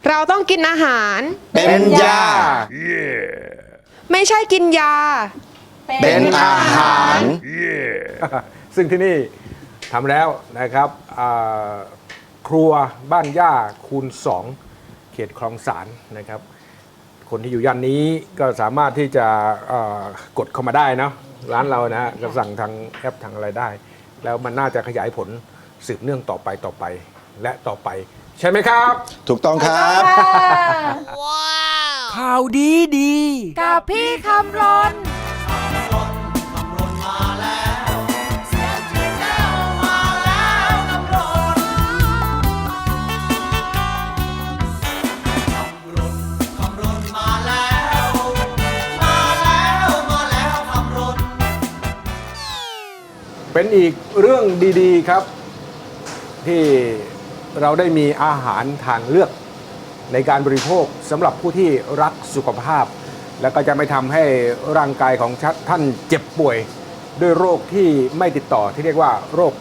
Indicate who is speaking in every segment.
Speaker 1: เราต้องกินอาหาร
Speaker 2: เป็นยา
Speaker 1: ไม่ใช่กินยา
Speaker 2: เป็นอาหาร
Speaker 3: ซึ่งที่นี่ทำแล้วนะครับครัวบ้านย่าคูณ 2 เขตคลองสานนะครับ คนที่อยู่ย่านนี้ก็สามารถที่จะกดเข้ามาได้เนาะร้านเรานะฮะก็สั่งทางแอปทางอะไรได้ แล้วมันน่าจะขยายผลสืบเนื่องต่อไปและต่อไป ใช่ไหมครับ
Speaker 2: ถูกต้องครับ
Speaker 4: ข่าวดีดี
Speaker 5: กับพี่คำรน
Speaker 3: เป็นอีกเรื่องดีๆครับ ที่เราได้มีอาหารทางเลือกในการบริโภคสำหรับผู้ที่รักสุขภาพ แล้วก็จะไม่ทำให้ร่างกายของท่านเจ็บป่วยด้วยโรคที่ไม่ติดต่อที่เรียกว่าโรค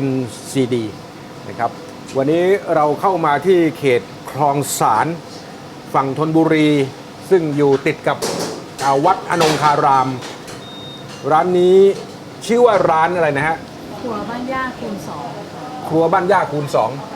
Speaker 3: NCD นะครับวันนี้เราเข้ามาที่เขตคลองสานฝั่งธนบุรี ซึ่งอยู่ติดกับวัดอนงคาราม ร้านนี้ชื่อว่าร้านอะไรนะฮะ
Speaker 5: ครัวบ้านย่าคูณ
Speaker 3: ครัวบ้านย่าคูณ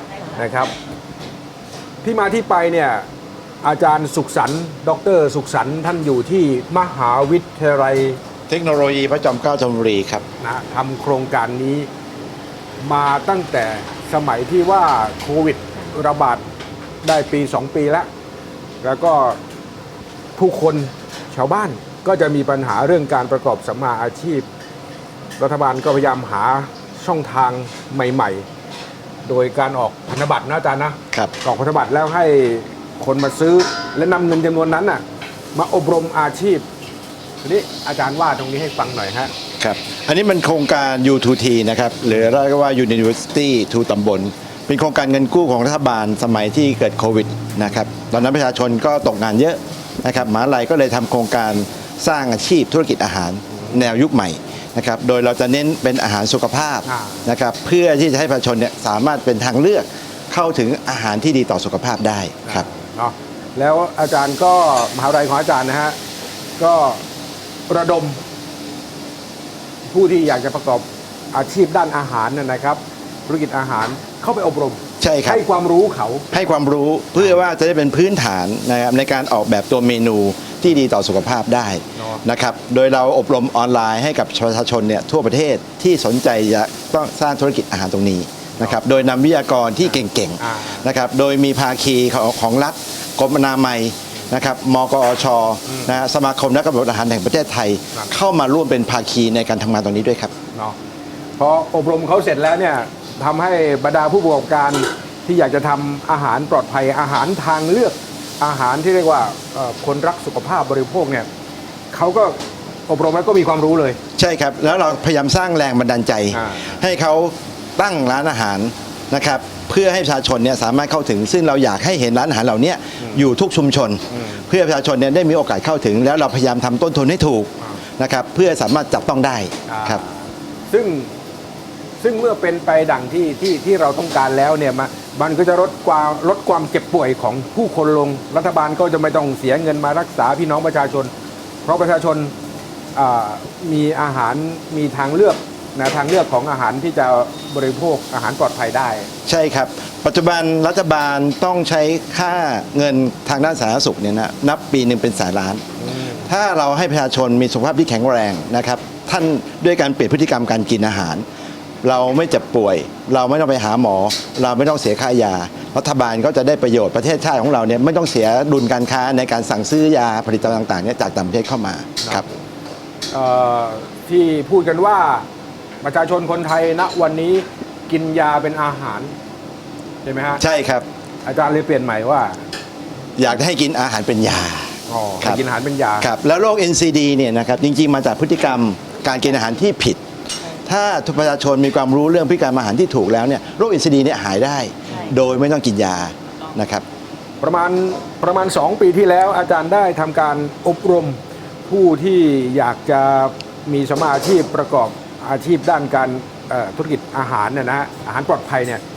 Speaker 3: 2 นะครับ ที่มาที่ไปเนี่ยอาจารย์สุขสันต์ดรสุขสันต์ท่านอยู่ที่มหาวิทยาลัย
Speaker 2: เทคโนโลยีพระจอมเกล้าธนบุรีครับ
Speaker 3: นะทำโครงการนี้มาตั้งแต่สมัยที่ว่าโควิดระบาดได้ปี 2 ปีแล้วก็ผู้คนชาวบ้านก็จะมีปัญหาเรื่องการประกอบสัมมาอาชีพ รัฐบาลก็พยายามหาช่องทางใหม่ๆ โดยการออกพันธบัตรนะอาจารย์นะครับ ออกพันธบัตรแล้วให้คนมาซื้อและนำเงินจำนวนนั้นน่ะมาอบรมอาชีพทีนี้อาจารย์ว่าตรงนี้ให้ฟังหน่อยฮะ
Speaker 2: ครับ อันนี้มันโครงการ U2T นะครับหรือเรียกว่า University to ตำบล เป็นโครงการเงินกู้ของรัฐบาลสมัยที่เกิดโควิดนะครับ ตอนนั้นประชาชนก็ตกงานเยอะนะครับมหาลัยก็เลยทำโครงการสร้างอาชีพธุรกิจอาหารแนวยุคใหม่นะครับ โดยเราจะเน้นเป็นอาหารสุขภาพนะครับ เพื่อที่จะให้ประชาชนเนี่ยสามารถเป็นทางเลือกเข้าถึงอาหารที่ดีต่อสุขภาพได้ครับ
Speaker 3: เนาะแล้วอาจารย์ก็มหาวิทยาลัยของอาจารย์นะฮะก็ระดม ผู้ที่อยากจะประกอบอาชีพด้านอาหารนะครับธุรกิจอาหารเข้าไปอบรม
Speaker 2: ใช่ครับ
Speaker 3: ให้ความรู้เขา
Speaker 2: ให้ความรู้เพื่อว่าจะได้เป็นพื้นฐานนะครับในการออกแบบตัวเมนูที่ดีต่อสุขภาพได้นะครับ โดยเราอบรมออนไลน์ให้กับประชาชนเนี่ยทั่วประเทศที่สนใจจะต้องสร้างธุรกิจอาหารตรงนี้นะครับ โดยนำวิทยากรที่เก่งๆนะครับ โดยมีภาคีของรัฐกรมอนามัยนะครับ มกอชนะฮะสมาคมนักกำหนดอาหารแห่งประเทศไทย เข้ามาร่วมเป็นภาคีในการทำงานตรงนี้ด้วยครับ
Speaker 3: เนาะพออบรมเขาเสร็จแล้วเนี่ยทำให้บรรดาผู้ประกอบการที่อยากจะทำอาหารปลอดภัยอาหารทางเลือกอาหารที่เรียกว่าคนรักสุขภาพบริโภคเนี่ยเขาก็อบรมแล้วก็มีความรู้เลย
Speaker 2: ใช่ครับ แล้วเราพยายามสร้างแรงบันดาลใจ ให้เขาตั้งร้านอาหารนะครับเพื่อให้ประชาชนเนี่ยสามารถเข้าถึง ซึ่งเราอยากให้เห็นร้านอาหารเหล่านี้อยู่ทุกชุมชน เพื่อประชาชนเนี่ยได้มีโอกาสเข้าถึง แล้วเราพยายามทำต้นทุนให้ถูกนะครับเพื่อสามารถจับต้องได้ครับ
Speaker 3: ซึ่งเมื่อเป็นไปดังที่เราต้องการแล้วเนี่ยมันก็จะลดความเจ็บป่วยของผู้คนลงรัฐบาลก็จะไม่ต้องเสียเงินมารักษาพี่น้องประชาชน เพราะประชาชนมีอาหารมีทางเลือกนะทางเลือกของอาหารที่จะบริโภคอาหารปลอดภัยได้
Speaker 2: ใช่ครับปัจจุบันรัฐบาลต้องใช้ค่าเงินทางด้านสาธารณสุขเนี่ยนะนับปีหนึ่งเป็นแสนล้าน ถ้าเราให้ประชาชนมีสุขภาพที่แข็งแรงนะครับท่านด้วยการเปลี่ยนพฤติกรรมการกินอาหาร เราไม่เจ็บป่วย เราไม่ต้องไปหาหมอ เราไม่ต้องเสียค่ายารัฐบาลก็จะได้ประโยชน์ประเทศชาติของเราเนี่ยไม่ต้องเสียดุลการค้าในการสั่งซื้อยาผลิตภัณฑ์ต่างๆเนี่ยจากต่างประเทศเข้ามาครับ
Speaker 3: ที่พูดกันว่าประชาชนคนไทยณวันนี้กินยาเป็นอาหารใช่ไหมฮะ
Speaker 2: ใช่ครับ
Speaker 3: อาจารย์เลยเปลี่ยนใหม่ว่า
Speaker 2: อยากให้กินอาหารเป็นยา
Speaker 3: ให้กินอาหารเป็นยา
Speaker 2: ครับแล้วโรค NCD เนี่ยนะครับจริงๆมาจากพฤติกรรมการกินอาหารที่ผิด ถ้าทุกประชาชนมีความรู้เรื่องพฤติกรรมอาหารที่ถูกแล้วเนี่ยโรค NCD เนี่ยหายได้ โดยไม่ต้องกินยานะครับ
Speaker 3: ประมาณ 2 ปีที่แล้วอาจารย์ได้ทำการอบรมผู้ที่อยากจะมีสมมาอาชีพประกอบอาชีพด้านการธุรกิจอาหารเนี่ยนะฮะอาหารปลอดภัยเนี่ย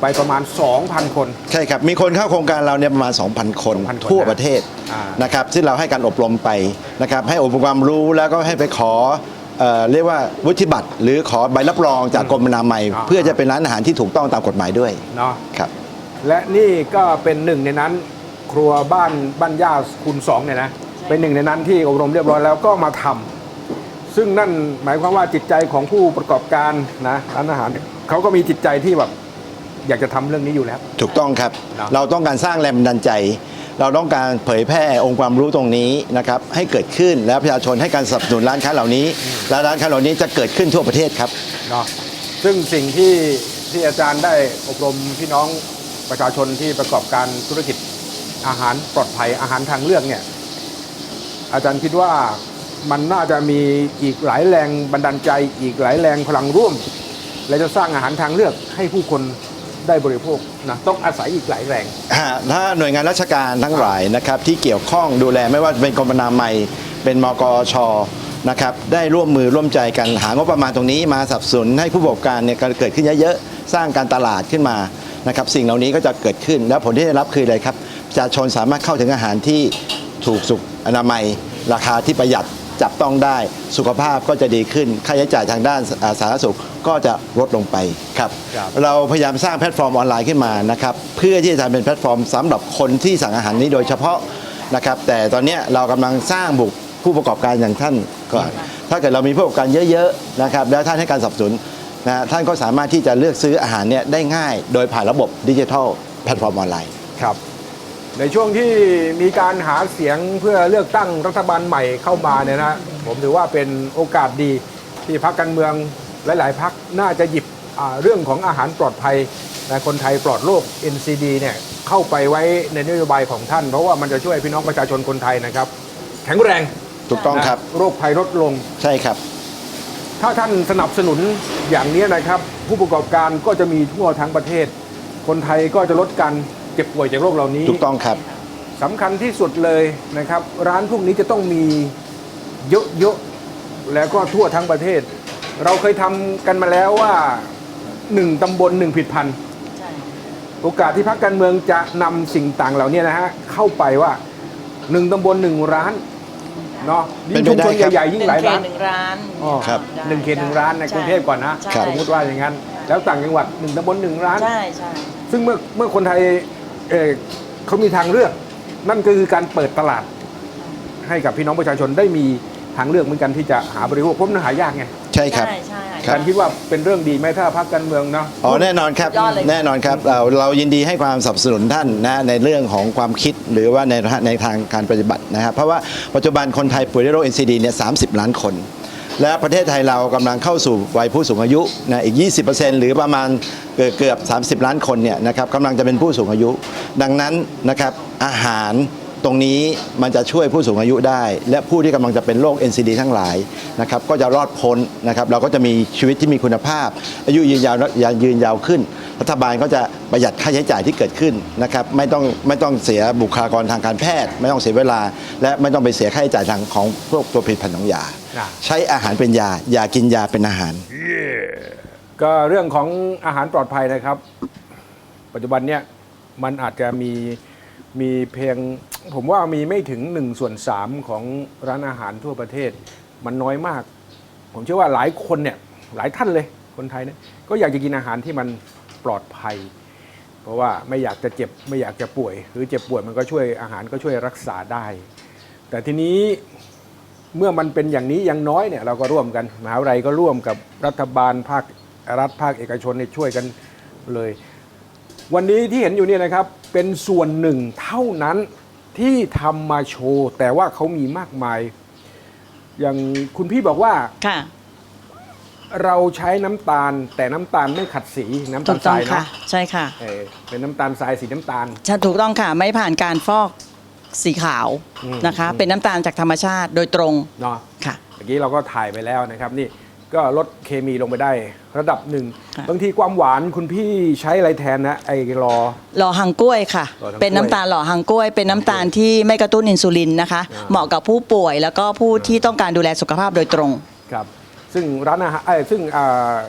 Speaker 3: ไปประมาณ 2,000 คน
Speaker 2: ใช่ครับ มีคนเข้าโครงการเราเนี่ยประมาณ 2,000 คน
Speaker 3: 2,000 คน
Speaker 2: ทั่วประเทศ
Speaker 3: อ่า
Speaker 2: นะครับซึ่งเราให้การอบรมไปนะครับให้อบรมความรู้แล้วก็ให้ไปขอเรียกว่าวุฒิบัตรหรือขอใบรับรองจากกรมอนามัย เพื่อจะเป็นร้านอาหารที่ถูกต้องตามกฎหมายด้วย
Speaker 3: เนาะ
Speaker 2: ครับ
Speaker 3: และนี่ก็เป็นหนึ่งในนั้นครัวบ้านย่าคูณ2เนี่ยนะเป็นหนึ่งในนั้นที่อบรมเรียบร้อยแล้วก็มาทำซึ่งนั่นหมายความว่าจิตใจของผู้ประกอบการนะร้านอาหารเขาก็มีจิตใจที่แบบอยากจะทำเรื่องนี้อยู่แล้ว
Speaker 2: ถูกต้องครับ
Speaker 3: เนอะ
Speaker 2: เราต้องการสร้างแรงบันดาลใจ เราต้องการเผยแพร่องค์ความรู้ตรงนี้นะครับให้เกิดขึ้นแล้วประชาชนให้การสนับสนุนร้านค้าเหล่านี้ และร้านค้าเหล่านี้จะเกิดขึ้นทั่วประเทศครับ
Speaker 3: เนาะซึ่งสิ่งที่อาจารย์ได้อบรมพี่น้องประชาชนที่ประกอบการธุรกิจอาหารปลอดภัยอาหารทางเลือกเนี่ยอาจารย์คิดว่ามันน่าจะมีอีกหลายแรงบันดาลใจอีกหลายแรงพลังร่วม และจะสร้างอาหารทางเลือกให้ผู้คนได้บริโภคนะต้องอาศัยอีกหลายแรง
Speaker 2: ถ้าหน่วยงานราชการทั้งหลายนะครับที่เกี่ยวข้องดูแลไม่ว่าเป็นกรมอนามัยเป็นมกชนะครับได้ร่วมมือร่วมใจกันหางบประมาณตรงนี้มาสนับสนุนให้ผู้ประกอบการเนี่ยเกิดขึ้นเยอะๆสร้างการตลาดขึ้นมานะครับสิ่งเหล่านี้ก็จะเกิดขึ้นแล้วผลที่ได้รับคืออะไรครับประชาชนสามารถเข้าถึงอาหารที่ถูกสุขอนามัยราคาที่ประหยัดจับต้องได้สุขภาพก็จะดีขึ้นค่าใช้จ่ายทางด้านสาธารณสุขก็จะลดลงไปครับ
Speaker 3: ครับ
Speaker 2: เราพยายามสร้างแพลตฟอร์มออนไลน์ขึ้นมานะครับเพื่อที่จะทำเป็นแพลตฟอร์มสำหรับคนที่สั่งอาหารนี้โดยเฉพาะนะครับแต่ตอนนี้เรากำลังสร้างบุคผู้ประกอบการอย่างท่านก่อนถ้าเกิดเรามีผู้ประกอบการเยอะๆนะครับแล้วท่านให้การสนับสนุนนะท่านก็สามารถที่จะเลือกซื้ออาหารเนี่ยได้ง่ายโดยผ่านระบบดิจิทัลแพลตฟอร์มออนไลน์
Speaker 3: ครับในช่วงที่มีการหาเสียงเพื่อเลือกตั้งรัฐบาลใหม่เข้ามาเนี่ยนะผมถือว่าเป็นโอกาสดีที่พรรคการเมืองหลายๆพรรคน่าจะหยิบเรื่องของอาหารปลอดภัยในคนไทยปลอดโรค NCD เนี่ยเข้าไปไว้ในนโยบายของท่านเพราะว่ามันจะช่วยพี่น้องประชาชนคนไทยนะครับแข็งแรง
Speaker 2: ถูกต้องครับ
Speaker 3: นะโรคภัยลดลง
Speaker 2: ใช่ครับ
Speaker 3: ถ้าท่านสนับสนุนอย่างนี้นะครับผู้ประกอบการก็จะมีทั่วทั้งประเทศ คนไทยก็จะลดการเจ็บป่วยจากโรคเหล่านี้
Speaker 2: ถูกต้องครับ
Speaker 3: สำคัญที่สุดเลยนะครับ ร้านพวกนี้จะต้องมีเยอะๆแล้วก็ทั่วทั้งประเทศ เราเคยทำกันมาแล้วว่า1ตำบล1ผลิตภัณฑ์โอกาสที่พรรคการเมืองจะนำสิ่งต่างเหล่านี้นะฮะเข้าไปว่า1ตำบล1ร้านเนาะยิ่งชุมชนใหญ่ๆยิ่งหลายร้าน
Speaker 5: หนึ่งร้าน
Speaker 3: อ๋อ
Speaker 2: ครับ
Speaker 5: ได้
Speaker 3: 1 เขต 1 ร้านในกรุงเทพก่อนนะ
Speaker 5: ใช่
Speaker 3: สมมติว่าอย่างนั้น แล้วต่างจังหวัด1ตำบล1ร้าน
Speaker 5: ใช่ใช่
Speaker 3: ซึ่งเมื่อคนไทยเขามีทางเลือก นั่นก็คือการเปิดตลาด ให้กับพี่น้องประชาชนได้มีทางเลือกเหมือนกันที่จะหาบริโภคเพราะมันหายากไง
Speaker 2: ใช่ครับ
Speaker 5: ใช่ใช่
Speaker 2: ครับ
Speaker 3: การคิดว่าเป็นเรื่องดีไหมถ้าพรรคการเมืองเนาะ
Speaker 2: อ๋อแน่นอนครับ
Speaker 5: ยอดเลย
Speaker 2: แน่นอนครับเรายินดีให้ความสนับสนุนท่านนะในเรื่องของความคิดหรือว่าในทางการปฏิบัตินะครับเพราะว่าปัจจุบันคนไทยป่วยด้วยโรค NCD เนี่ย30 ล้านคน และประเทศไทยเรากำลังเข้าสู่วัยผู้สูงอายุนะอีก 20%หรือประมาณเกือบ30 ล้านคนเนี่ยนะครับกำลังจะเป็นผู้สูงอายุ ดังนั้นนะครับอาหารตรงนี้มันจะช่วยผู้สูงอายุได้ และผู้ที่กำลังจะเป็นโรค NCD ทั้งหลายนะครับก็จะรอดพ้นนะครับเราก็จะมีชีวิตที่มีคุณภาพ อายุยืนยาวขึ้น รัฐบาลก็จะประหยัดค่าใช้จ่ายที่เกิดขึ้นนะครับไม่ต้องเสียบุคลากรทางการแพทย์ ไม่ต้องเสียเวลา และไม่ต้องไปเสียค่าใช้จ่ายทางของพวกตัวผลิตภัณฑ์ของยา ใช้อาหารเป็นยาอย่ากินยาเป็นอาหาร
Speaker 3: ก็เรื่องของอาหารปลอดภัยนะครับ ปัจจุบันเนี่ยมันอาจจะมีเพียงผมว่ามีไม่ถึง1/3ของร้านอาหารทั่วประเทศ มันน้อยมาก ผมเชื่อว่าหลายคนเนี่ยหลายท่านเลยคนไทยเนี่ยก็อยากจะกินอาหารที่มันปลอดภัย เพราะว่าไม่อยากจะเจ็บไม่อยากจะป่วย หรือเจ็บป่วยมันก็ช่วยอาหารก็ช่วยรักษาได้ แต่ทีนี้เมื่อมันเป็นอย่างนี้ยังน้อยเนี่ยเราก็ร่วมกันมหาวิทยาลัยก็ร่วมกับรัฐบาลภาครัฐภาคเอกชนเนี่ยช่วยกันเลย วันนี้ที่เห็นอยู่เนี่ยนะครับเป็นส่วนหนึ่งเท่านั้นที่ทำมาโชว์แต่ว่าเขามีมากมาย อย่างคุณพี่บอกว่า
Speaker 4: ค่ะ
Speaker 3: เราใช้น้ำตาลแต่น้ำตาลไม่ขัดสีน้ำ
Speaker 4: ถู
Speaker 3: ตาล
Speaker 4: ก
Speaker 3: ท
Speaker 4: ต้อ
Speaker 3: ราง ย
Speaker 4: ค่ะ
Speaker 3: เนาะ
Speaker 4: ใช่ค่ะ
Speaker 3: เป็นน้ำตาลทรายสีน้ำตาล
Speaker 4: ใช่ถูกต้องค่ะ ไม่ผ่านการฟอกสีขาว
Speaker 3: อืม
Speaker 4: นะคะ เป็นน้ำตาลจากธรรมชาติโดยตรง
Speaker 3: เนาะ
Speaker 4: ค่ะ
Speaker 3: เมื่อกี้เราก็ถ่ายไปแล้วนะครับนี่ก็ลดเคมีลงไปได้ระดับหนึ่ง
Speaker 4: ค่ะ
Speaker 3: บางทีความหวานคุณพี่ใช้อะไรแทนนะไอ้รอ
Speaker 4: หล่อหังกล้วยค่ะ
Speaker 3: หล่อหังกล้วย
Speaker 4: เป็นน้ำตาลหล่อหังกล้วย เป็นน้ำตาลที่ไม่กระตุ้นอินซูลินนะคะ
Speaker 3: อ่า
Speaker 4: เหมาะกับผู้ป่วยแล้วก็ผู้ที่ต้องการดูแลสุขภาพโดยตรง
Speaker 3: ครับซึ่งร้านอาหารซึ่ง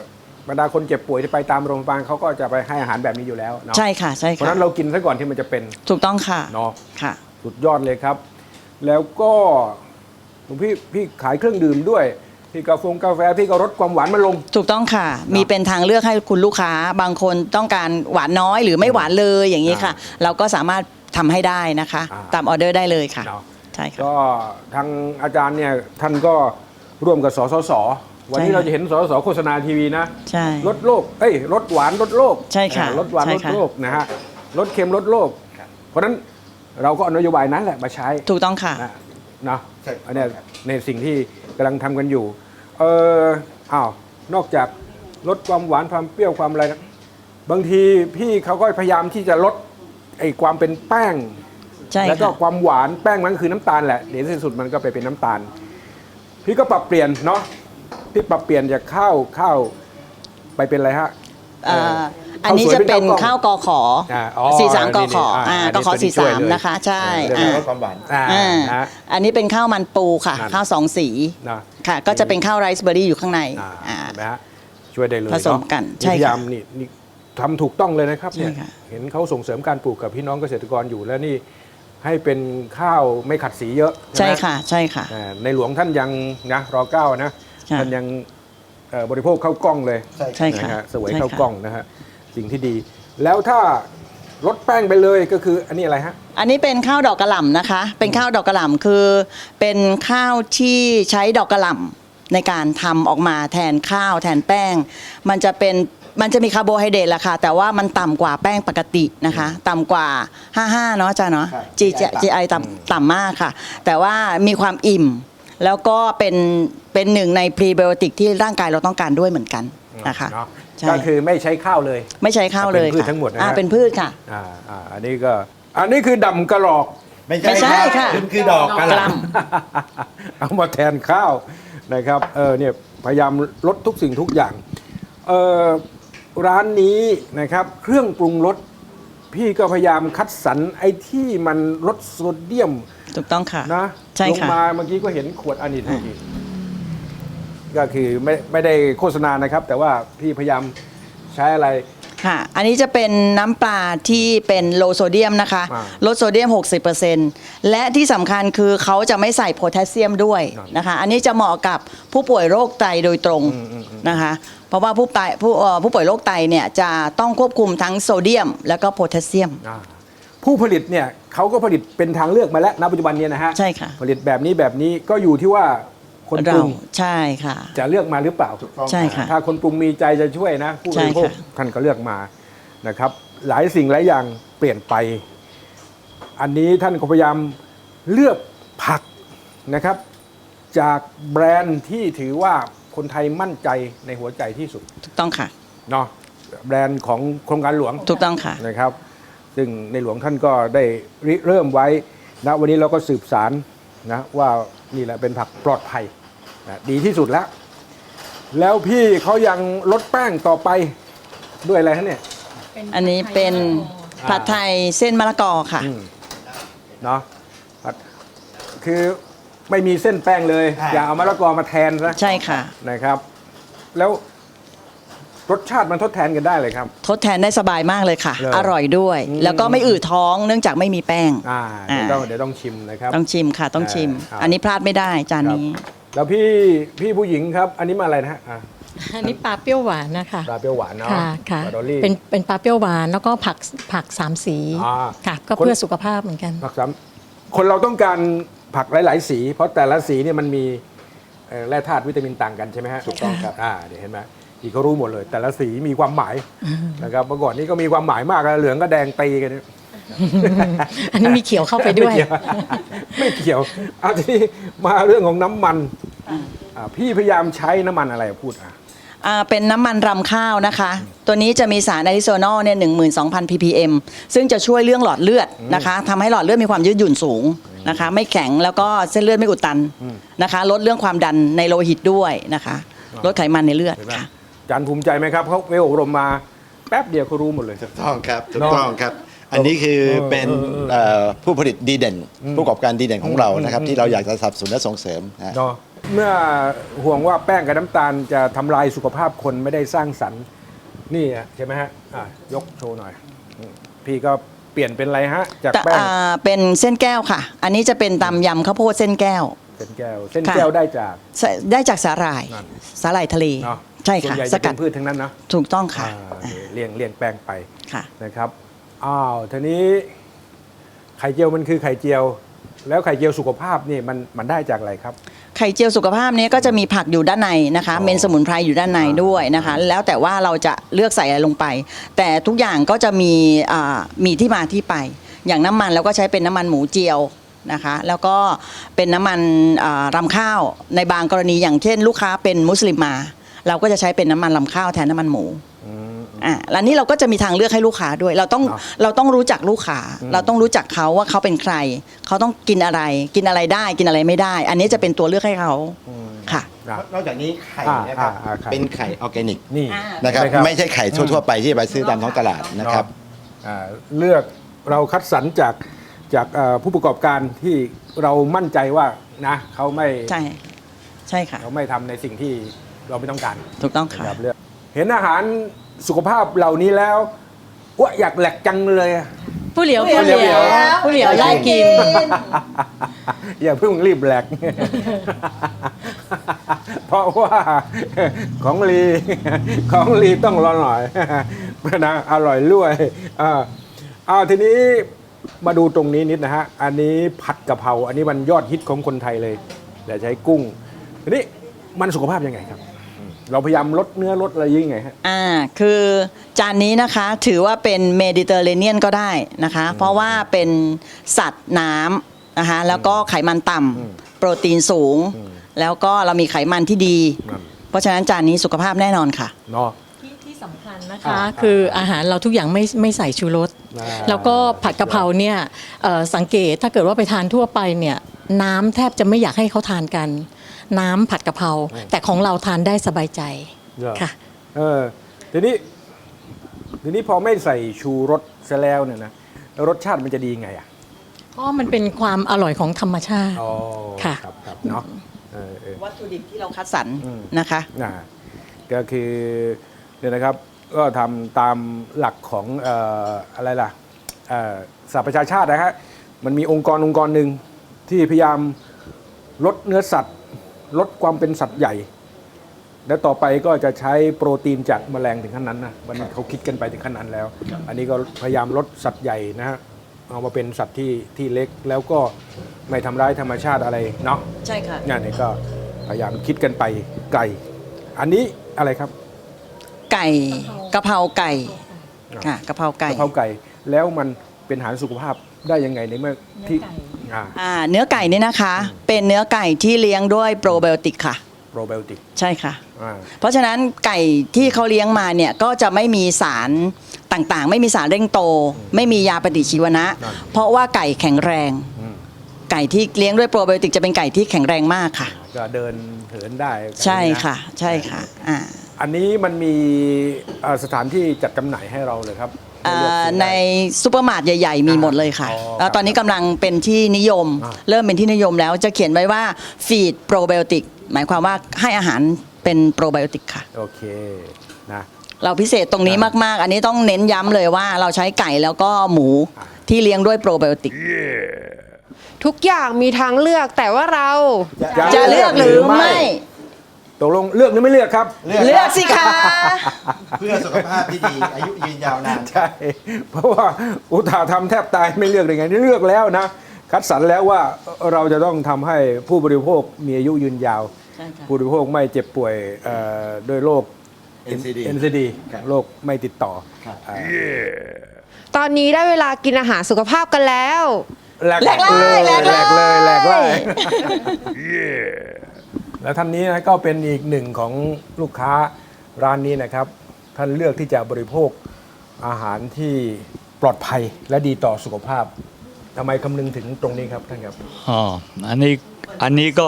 Speaker 3: บรรดาคนเจ็บป่วยที่ไปตามโรงพยาบาลเขาก็จะไปให้อาหารแบบนี้อยู่แล้วเนาะ
Speaker 4: ใช่ค่ะใช่
Speaker 3: เพราะ
Speaker 4: ค่ะ
Speaker 3: ฉะนั้นเรากินซะก่อนที่มันจะเป็น
Speaker 4: ถูกต้องค่ะ
Speaker 3: เนาะ
Speaker 4: ค่ะ
Speaker 3: สุดยอดเลยครับ แล้วก็หลวงพี่ขายเครื่องดื่มด้วยพี่กาแฟพี่ก็ลดความหวานมาลง
Speaker 4: ถูกต้องค่ะ มีเป็นทางเลือกให้คุณลูกค้าบางคนต้องการหวานน้อยหรือไม่หวานเลยอย่างนี้ค่ะ เราก็สามารถทำให้ได้นะคะ ตามออเดอร์ได้เลยค่ะ
Speaker 3: เนาะ
Speaker 4: ใช่ค่ะ
Speaker 3: ก็ทางอาจารย์เนี่ยท่านก็ร่วมกับสสสวันนี้
Speaker 4: ใช่ค่ะ
Speaker 3: เราจะเห็นสสสโฆษณาทีวีนะ
Speaker 4: ใช่
Speaker 3: ลดโรคลดหวานลดโรค
Speaker 4: ใช่ค่ะ
Speaker 3: ลดหวาน
Speaker 4: ใช่
Speaker 3: ลด
Speaker 4: ค่ะ
Speaker 3: โรคนะฮะลดเค็มลดโรคเพราะฉะนั้นเราก็เอานโยบายนั้นแหละมาใช้
Speaker 4: ถูกต้องค่ะ
Speaker 3: นะ
Speaker 2: ใช่
Speaker 3: อันเนี้ยในสิ่งที่กำลังทำกันอยู่นอกจากลดความหวานความเปรี้ยวความอะไรนะบางทีพี่เขาก็พยายามที่จะลดไอ้ความเป็นแป้ง
Speaker 4: ใช่
Speaker 3: แล้วก็
Speaker 4: ค่ะ
Speaker 3: ความหวานแป้งมันคือน้ำตาลแหละเดี๋ยวที่สุดมันก็ไปเป็นน้ำตาล พี่ก็ปรับเปลี่ยนเนาะพี่ปรับเปลี่ยนจากข้าวไปเป็นอะไรฮะ
Speaker 4: อันนี้จะเป็นข้าวกอขอ
Speaker 3: อ๋อ
Speaker 4: 43กอขอ
Speaker 3: นี่
Speaker 4: กอขอ
Speaker 3: อันนี้ช่วยเลย
Speaker 4: 43นะคะ ใช่
Speaker 2: เรื่องลดความหวาน
Speaker 3: นะ
Speaker 4: อันนี้เป็นข้าวมันปูค่ะ
Speaker 3: นั่น
Speaker 4: ข้าวสองสี
Speaker 3: นะ
Speaker 4: ค่ะ ก็จะเป็นข้าวไรซ์เบอร์รี่อยู่ข้างใน
Speaker 3: เห็นไหมฮะช่วยได้เลย
Speaker 4: ผสมกัน
Speaker 3: เนาะ
Speaker 4: ใช่ค่ะ
Speaker 3: พยายามนี่ทำถูกต้องเลยนะครับเนี่ย
Speaker 4: ใช่ค่ะ
Speaker 3: เห็นเขาส่งเสริมการปลูกกับพี่น้องเกษตรกรอยู่แล้วนี่ให้เป็นข้าวไม่ขัดสีเยอะ
Speaker 4: ใช่
Speaker 3: ไหม
Speaker 4: ค่ะใช่ค่ะ
Speaker 3: ในหลวงท่านยังนะร.9 นะ
Speaker 4: ค่ะ
Speaker 3: ท่านยังบริโภคข้าวกล้องเลย
Speaker 4: ใช่ค่ะ
Speaker 3: นะฮะเสวย
Speaker 4: ใช่ค่ะ
Speaker 3: ข้าวกล้องนะฮะสิ่งที่ดี แล้วถ้าลดแป้งไปเลยก็คืออันนี้อะไรฮะ
Speaker 4: อันนี้เป็นข้าวดอกกระหล่ำนะคะ เป็นข้าวดอกกระหล่ำคือเป็นข้าวที่ใช้ดอกกระหล่ำในการทำออกมาแทนข้าวแทนแป้ง มันจะมีคาร์โบไฮเดรตแหละค่ะ แต่ว่ามันต่ำกว่าแป้งปกตินะคะ ต่ำกว่า 55 เนาะอาจารย์เนาะ GI ต่ำมากค่ะ แต่ว่ามีความอิ่ม แล้วก็เป็นหนึ่งในพรีไบโอติกที่ร่างกายเราต้องการด้วยเหมือนกันนะคะ
Speaker 3: เนาะ
Speaker 4: ใช่
Speaker 3: ก็คือไม่ใช้ข้าวเลย
Speaker 4: ไม่ใช้ข้าวเลย
Speaker 3: เป็นพืช
Speaker 4: ค่ะ
Speaker 3: ทั้งหมดนะฮะ
Speaker 4: เป็นพืชค่ะ
Speaker 3: อันนี้คือดำกระหลอก
Speaker 4: ไม่ใช่ค่ะ
Speaker 2: มันคือดอกกระหล่
Speaker 3: เอามาแทนข้าวนะครับเนี่ยพยายามลดทุกสิ่งทุกอย่างร้านนี้นะครับเครื่องปรุงรสพี่ก็พยายามคัดสรรไอ้ที่มันลดโซเดียม
Speaker 4: ถูกต้องค่ะ
Speaker 3: นะ
Speaker 4: ใช่
Speaker 3: ลง
Speaker 4: ค่ะ
Speaker 3: มาเมื่อกี้ก็เห็นขวดอันนี้ทันทีก็คือไม่ได้โฆษณานะครับ แต่ว่าพี่พยายามใช้อะไร
Speaker 4: ค่ะ อันนี้จะเป็นน้ำปลาที่เป็นโลโซเดียมนะคะ ลดโซเดียม 60%และที่สำคัญคือเขาจะไม่ใส่โพแทสเซียมด้วยนะคะ อันนี้จะเหมาะกับผู้ป่วยโรคไตโดยตรงนะคะ เพราะว่าผู้ป่วยโรคไตเนี่ยจะต้องควบคุมทั้งโซเดียม แล้วก็โพแทสเซียม
Speaker 3: ผู้ผลิตเนี่ยเขาก็ผลิตเป็นทางเลือกมาแล้วณปัจจุบันเนี้นะฮะ
Speaker 4: ใช่ค่ะ
Speaker 3: ผลิตแบบนี้ก็อยู่ที่ว่าคนป
Speaker 4: เรา
Speaker 3: รุง
Speaker 4: ใช่ค่ะ
Speaker 3: จะเลือกมาหรือเปล่า
Speaker 4: ใช่ค่ะ
Speaker 3: ถ้าคนปรุงมีใจจะช่วยนะ ผู้บริโภค
Speaker 4: ใช่ค่ะ
Speaker 3: ท่านก็เลือกมานะครับ หลายสิ่งหลายอย่างเปลี่ยนไป อันนี้ท่านก็พยายามเลือกผักนะครับ จากแบรนด์ที่ถือว่าคนไทยมั่นใจในหัวใจที่สุด
Speaker 4: ถูกต้องค่ะ
Speaker 3: เนาะแบรนด์ของโครงการหลวง
Speaker 4: ถูกต้องค่ะ
Speaker 3: นะครับ ซึ่งในหลวงท่านก็ได้ริเริ่มไว้นะวันนี้เราก็สืบสารนะว่านี่แหละเป็นผักปลอดภัยนะดีที่สุดแล้ว แล้วพี่เขายังลดแป้งต่อไปด้วยอะไรฮะเนี่ย
Speaker 4: อันนี้เป็นผัดไทยเส้นมะละกอค่ะ
Speaker 3: เนาะคือไม่มีเส้นแป้งเลย อย่าเอามะละกอมาแทนนะ
Speaker 4: ใช่ค่ะ
Speaker 3: นะครับ แล้วรสชาติมันทดแทนกันได้เลยครับ
Speaker 4: ทดแทนได้สบายมากเลยค่ะ
Speaker 3: เหรอ
Speaker 4: อร่อยด้วย แล้วก็ไม่อืดท้องเนื่องจากไม่มีแป้ง
Speaker 3: เดี๋ยวต้องชิมนะครับ
Speaker 4: ต้องชิมค่ะ ต้องชิม
Speaker 3: ครับ
Speaker 4: อันนี้พลาดไม่ได้จานนี้
Speaker 3: แล้วพี่ผู้หญิงครับ อันนี้มาอะไรนะฮะ
Speaker 6: อันนี้ปลาเปรี้ยวหวานนะคะ
Speaker 3: ปลาเปรี้ยวหวานเนาะ
Speaker 6: ค่ะค่ะ
Speaker 3: ปลาดอลลี่
Speaker 6: เป็นปลาเปรี้ยวหวานแล้วก็ผักสามสี
Speaker 3: อ่า
Speaker 6: ค่ะ ก็เพื่อสุขภาพเหมือนกัน
Speaker 3: ผักซ้ำคนเราต้องการผักหลาย ๆ สี เพราะแต่ละสีเนี่ยมันมีแร่ธาตุวิตามินต่างกันใช่ไหมฮะ
Speaker 6: ถูกต้องครับ
Speaker 3: เดี๋ยวเห็นไหมอีกเขารู้หมดเลย แต่ละสีมีความหมายนะครับเมื่อก่อนนี้ก็มีความหมายมากนะเหลืองก็แดงตีกันเนี่ย
Speaker 6: อันนี้มีเขียวเข้าไปด้วย
Speaker 3: ไม่เกี่ยวเอาทีนี้มาเรื่องของน้ำมันพี่พยายามใช้น้ำมันอะไรพูด
Speaker 4: เป็นน้ำมันรำข้าวนะคะ ตัวนี้จะมีสารอะลิโซนอลเนี่ย 12,000 ppm ซึ่งจะช่วยเรื่องหลอดเลือดนะคะทำให้หลอดเลือดมีความยืดหยุ่นสูงนะคะ ไม่แข็งแล้วก็เส้นเลือดไม่อุดตันนะคะ ลดเรื่องความดันในโลหิตด้วยนะคะ ลดไขมันในเลือด
Speaker 3: เห็นไหม
Speaker 4: ค่ะ
Speaker 3: อาจารย์ภูมิใจไหมครับเขาไปอบรมมาแป๊บเดียวเขารู้หมดเลย
Speaker 2: ถูกต้องครับถูกต้องครับ อันนี้คือเป็นผู้ผลิตดีเด่น ผู้ประกอบการดีเด่นของเรานะครับที่เราอยากจะสนับสนุนและส่งเสริมนะ
Speaker 3: เนาะเมื่อห่วงว่าแป้งกับน้ำตาลจะทำลายสุขภาพคนไม่ได้สร้างสรรค์นี่อะใช่ไหมฮะยกโชว์หน่อยพี่ก็เปลี่ยนเป็นอะไรฮะจากแป้ง
Speaker 4: เป็นเส้นแก้วค่ะ อันนี้จะเป็นตำยำข้าวโพดเส้นแก้ว
Speaker 3: เส้นแก้วเส้นแก้วได้จาก
Speaker 4: ได้จากสาหร่าย
Speaker 3: นั่น
Speaker 4: สาหร่ายทะเล
Speaker 3: เนาะ
Speaker 4: ใช่
Speaker 3: ส่วน
Speaker 4: ค่ะ
Speaker 3: ใหญ่
Speaker 4: ส
Speaker 3: จะ
Speaker 4: กั
Speaker 3: เป็
Speaker 4: ด
Speaker 3: นพืชทั้งนั้นนะ
Speaker 4: ถูกต้องค่ะ
Speaker 3: เลี่ยงแป้งไป
Speaker 4: ค่ะ
Speaker 3: นะครับทีนี้ไข่เจียวมันคือไข่เจียว แล้วไข่เจียวสุขภาพนี่มันได้จากอะไรครับ
Speaker 4: ไข่เจียวสุขภาพนี้ก็จะมีผักอยู่ด้านในนะคะ
Speaker 3: อ๋อ
Speaker 4: เมนสมุนไพรอยู่ด้านในด้วยนะคะ แล้วแต่ว่าเราจะเลือกใส่อะไรลงไป แต่ทุกอย่างก็จะมีที่มาที่ไป อย่างน้ำมันเราก็ใช้เป็นน้ำมันหมูเจียวนะคะ แล้วก็เป็นน้ำมันรำข้าวในบางกรณีอย่างเช่น ลูกค้าเป็นมุสลิมมา เราก็จะใช้เป็นน้ำมันรำข้าวแทนน้ำมันหมูแล้วนี่เราก็จะมีทางเลือกให้ลูกค้าด้วย เราต้องรู้จักลูกค้า เราต้องรู้จักเขาว่าเขาเป็นใคร เขาต้องกินอะไรได้กินอะไรไม่ได้ อันนี้จะเป็นตัวเลือกให้เขาค่ะ
Speaker 2: นอกจากนี้ไข่นะครับ
Speaker 3: ไข่
Speaker 2: เป็นไข่ออร์แกนิก
Speaker 3: นี่
Speaker 2: นะครับ
Speaker 3: ใช่ครับ
Speaker 2: ไม่ใช่ไข่ทั่วๆไปที่ไปซื้อตามท้องตลาดนะครับ
Speaker 3: เลือกเราคัดสรรจากผู้ประกอบการที่เรามั่นใจว่านะเขาไม่
Speaker 4: ใช่ค่ะ
Speaker 3: เขาไม่ทำในสิ่งที่เราไม่ต้องการ
Speaker 4: ถูกต้องค่ะ
Speaker 3: ครับเลือกเห็นอาหารสุขภาพเหล่านี้แล้วว่าอยากแหลกจังเลยอะ
Speaker 6: ผู้เหลียว
Speaker 3: ผู้เหลียว
Speaker 6: ผู้เหลียวไล่กิน
Speaker 3: อย่าเพิ่งรีบแหลก เพราะว่าของลีต้องรอหน่อย นะอร่อยรวยทีนี้มาดูตรงนี้นิดนะฮะอันนี้ผัดกะเพราอันนี้มันยอดฮิตของคนไทยเลยแต่ใช้กุ้งทีนี้มันสุขภาพยังไงครับ เราพยายามลดเนื้อลดอะไรยังไงฮะ
Speaker 4: คือจานนี้นะคะถือว่าเป็นเมดิเตอร์เรเนียนก็ได้นะคะ เพราะว่าเป็นสัตว์น้ำนะคะแล้วก็ไขมันต่ำโปรตีนสูง แล้วก็เรามีไขมันที่ดี เพราะฉะนั้นจานนี้สุขภาพแน่นอนค่ะ
Speaker 3: เนาะ
Speaker 6: ที่สำคัญนะคะ คืออาหารเราทุกอย่างไม่ใส่ชูรส แล้วก็ผัดกะเพราเนี่ยสังเกตถ้าเกิดว่าไปทานทั่วไปเนี่ยน้ำแทบจะไม่อยากให้เขาทานกัน น้ำผัดกะเพราแต่ของเราทานได้สบายใจค่ะ
Speaker 3: ทีนี้พอไม่ใส่ชูรสซะแล้วเนี่ยนะรสชาติมันจะดีไงอ่ะ
Speaker 6: เพราะมันเป็นความอร่อยของธรรมชาติ
Speaker 3: อ๋อ
Speaker 6: ค่ะ
Speaker 3: ครับเนาะ
Speaker 4: วัตถุดิบที่เราคัดสรรนะคะ
Speaker 3: ก็คือเนี่ยนะครับก็ทำตามหลักของอะไรล่ะสหประชาชาตินะฮะมันมีองค์กรหนึ่งที่พยายามลดเนื้อสัตว์ลดความเป็นสัตว์ใหญ่ และต่อไปก็จะใช้โปรตีนจากแมลงถึงขั้นนั้นนะมันเขาคิดกันไปถึงขั้นนั้นแล้ว อันนี้ก็พยายามลดสัตว์ใหญ่นะฮะเอามาเป็นสัตว์ที่เล็กแล้วก็ไม่ทำร้ายธรรมชาติอะไรเนาะ
Speaker 4: ใช่ค่ะ
Speaker 3: งานนี้ก็พยายามคิดกันไปไกลอันนี้อะไรครับ
Speaker 4: ไก่กะเพราไก่ค่ะกะเพราไก่
Speaker 3: กะเพราไก่แล้วมันเป็นอาหารสุขภาพได้ยังไงในเมื่อที่
Speaker 4: เนื้อไก่นี่นะคะ เป็นเนื้อไก่ที่เลี้ยงด้วยโปรไบโอติกค่ะ
Speaker 3: โปรไบโอติก
Speaker 4: ใช่ค่ะ เพราะฉะนั้นไก่ที่เขาเลี้ยงมาเนี่ยก็จะไม่มีสารต่างๆ ไม่มีสารเร่งโต ไม่มียาปฏิชีวนะ เพราะว่าไก่แข็งแรง ไก่ที่เลี้ยงด้วยโปรไบโอติกจะเป็นไก่ที่แข็งแรงมากค่ะ
Speaker 3: ก็เดินเหินได้
Speaker 4: ใช่ค่ะใช่ค่ะ
Speaker 3: อันนี้มันมีสถานที่จัดจำหน่ายให้เราเลยครับ
Speaker 4: ในซูเปอร์มาร์ทใหญ่ๆ มีหมดเลยค่ะ แล้วตอนนี้กำลังเป็นที่นิยม เริ่มเป็นที่นิยมแล้วจะเขียนไว้ว่าฟีดโปรไบโอติกหมายความว่าให้อาหารเป็นโปรไบโอติกค่ะ
Speaker 3: โอเคนะ
Speaker 4: เราพิเศษตรงนี้มากๆ อันนี้ต้องเน้นย้ำเลยว่าเราใช้ไก่แล้วก็หมูที่เลี้ยงด้วยโปรไบโอติก
Speaker 1: ทุกอย่างมีทางเลือกแต่ว่าเรา
Speaker 4: จะเลือกหรือไม่
Speaker 3: ตกลงเลือกหรือไม่เลือกครับ
Speaker 4: เลือกสิคะ
Speaker 2: เพื่อสุขภาพที่ดีอายุยืนยาวนาน
Speaker 3: ใช่ เพราะว่าอุตส่าห์ทำแทบตายไม่เลือกได้ไงนี่เลือกแล้วนะ คัดสรรแล้วว่าเราจะต้องทำให้ผู้บริโภคมีอายุยืนยาว
Speaker 4: ใช่ค่ะ
Speaker 3: ผู้บริโภคไม่เจ็บป่วยด้วยโรค NCD
Speaker 2: ครับ
Speaker 3: โรคไม่ติดต่อ
Speaker 2: ครับ
Speaker 1: ตอนนี้ได้เวลากินอาหารสุขภาพกันแล้ว
Speaker 3: แหลกเลยแหลกเลย แล้วท่านนี้นะก็เป็นอีกหนึ่งของลูกค้าร้านนี้นะครับ ท่านเลือกที่จะบริโภคอาหารที่ปลอดภัยและดีต่อสุขภาพทำไมคำนึงถึงตรงนี้ครับท่านครับ
Speaker 7: อันนี้ก็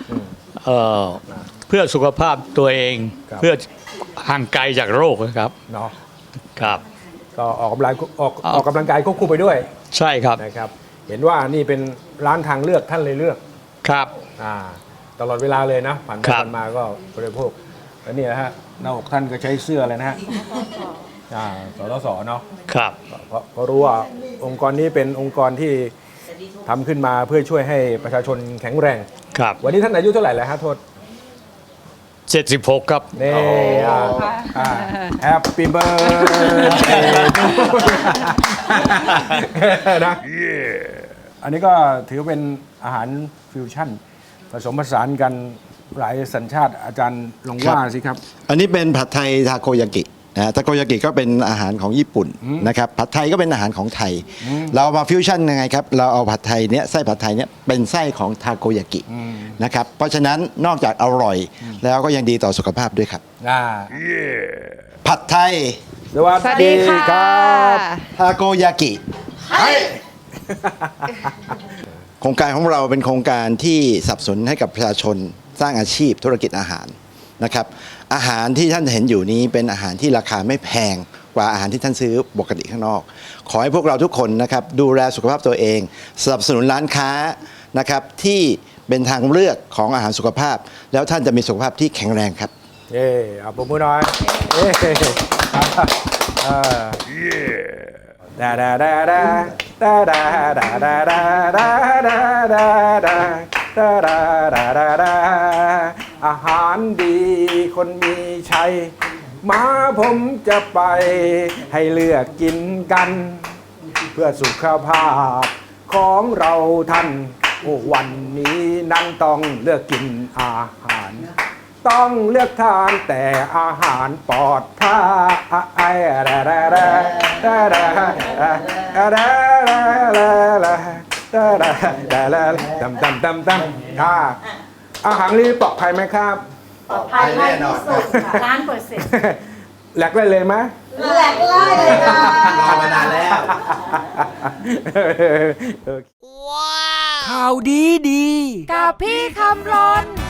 Speaker 7: เพื่อสุขภาพตัวเอง
Speaker 3: ครับ
Speaker 7: เพื่อห่างไกลจากโรคนะครับ
Speaker 3: เนาะ
Speaker 7: ครับ
Speaker 3: ก็ออกกำลังกายควบคู่ไปด้วย
Speaker 7: ใช่ครับ
Speaker 3: นะครับ เห็นว่านี่เป็นร้านทางเลือกท่านเลยเลือก
Speaker 7: ครับ
Speaker 3: อ่าตลอดเวลาเลยนะผ่านไป
Speaker 7: ครับ
Speaker 3: ผ่านมาก็บริโภคแล้วนี่นะฮะหน้าอกท่านก็ใช้เสื้ออะไรนะฮะสรสเนาะ
Speaker 7: ครับ
Speaker 3: เพราะรู้ว่าองค์กรนี้เป็นองค์กรที่ทำขึ้นมาเพื่อช่วยให้ประชาชนแข็งแรง
Speaker 7: ครับ
Speaker 3: วันนี้ท่านอายุเท่าไหร่แล้วฮะโทษ
Speaker 7: 76 ครับ
Speaker 3: นี่Happy birthday นะอันนี้ก็ถือเป็นอาหารฟิวชั่น ผสมผสานกันหลายสัญชาติอาจารย์ลองว่าสิครับ
Speaker 2: อันนี้เป็นผัดไทยทาโกยากินะทาโกยากิก็เป็นอาหารของญี่ปุ่นนะครับผัดไทยก็เป็นอาหารของไทย เรามาฟิวชั่นยังไงครับเราเอาผัดไทยเนี้ยไส้ผัดไทยเนี้ยเป็นไส้ของทาโกยากินะครับเพราะฉะนั้นนอกจากอร่อยแล้วก็ยังดีต่อสุขภาพด้วยครับผัดไทย
Speaker 3: สวัส
Speaker 1: สวัส
Speaker 3: ดี
Speaker 1: ดีค่ะ
Speaker 3: ครับ
Speaker 2: ทาโกยากิโครงการของเราเป็นโครงการที่สนับสนุนให้กับประชาชนสร้างอาชีพธุรกิจอาหารนะครับอาหารที่ท่านเห็นอยู่นี้เป็นอาหารที่ราคาไม่แพงกว่าอาหารที่ท่านซื้อปกติข้างนอก ขอให้พวกเราทุกคนนะครับดูแลสุขภาพตัวเองสนับสนุนร้านค้านะครับที่เป็นทางเลือกของอาหารสุขภาพ แล้วท่านจะมีสุขภาพที่แข็งแรงครับ
Speaker 3: เย่เอาปมมือหน่อยเย่ดาดาดาดาดาดาดาดาดาดาดาดาดาดาดาดาดาดาดาอาหารดีคนมีชัยมาผมจะไปให้เลือกกินกัน เพื่อสุขภาพของเราท่านโอ้วันนี้นั้นต้องเลือกกินอาหาร ต้องเลือกทานแต่อาหารปลอดภัยอาหารนี้ปลอดภัยไหมครับ
Speaker 5: ปลอดภัยมากที่สุดค่ะล้านเปอร์เซ็นต์
Speaker 3: แหลกได้เลยไหม
Speaker 5: แหลกไล่เลยค่ะ
Speaker 2: รอมานานแล้ว
Speaker 3: ข่าวดี
Speaker 5: กับพี่คำรน